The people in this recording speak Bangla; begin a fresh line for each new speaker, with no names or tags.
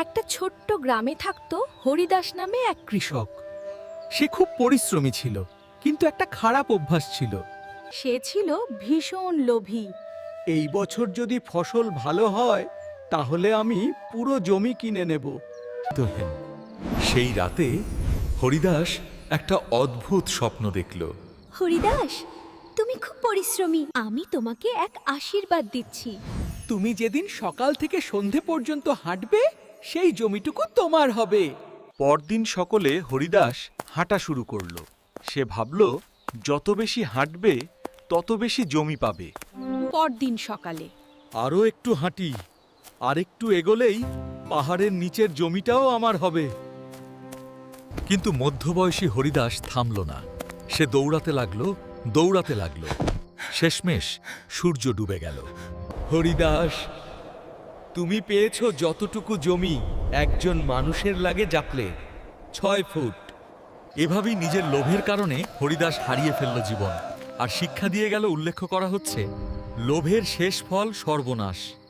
একটা ছোট্ট গ্রামে থাকতো হরিদাস নামে এক
কৃষক। সে খুব পরিশ্রমী ছিল, কিন্তু একটা খারাপ অভ্যাস ছিল।
সে ছিল ভীষণ লোভী।
এই বছর যদি ফসল ভালো হয় তাহলে আমি পুরো জমি কিনে নেব।
সেই রাতে হরিদাস একটা অদ্ভুত স্বপ্ন দেখল।
হরিদাস, তুমি খুব পরিশ্রমী, আমি তোমাকে এক আশীর্বাদ দিচ্ছি।
তুমি যেদিন সকাল থেকে সন্ধে পর্যন্ত হাঁটবে সেই জমিটুকু তোমার হবে।
পরদিন সকলে হরিদাস হাঁটা শুরু করল। সে ভাবল, যত বেশি হাঁটবে তত বেশি জমি পাবে।
পরদিন সকালে
আরও একটু হাঁটি, আর একটু এগোলেই পাহাড়ের নিচের জমিটাও আমার হবে।
কিন্তু মধ্যবয়সী হরিদাস থামল না। সে দৌড়াতে লাগলো। শেষমেশ সূর্য ডুবে গেল।
হরিদাস, তুমি পেয়েছো যতটুকু জমি একজন মানুষের লাগে জাপলে 6 ফুট।
এভাবেই নিজের লোভের কারণে হরিদাস হারিয়ে ফেলল জীবন। আর শিক্ষা দিয়ে গেল, উল্লেখ করা হচ্ছে, লোভের শেষ ফল সর্বনাশ।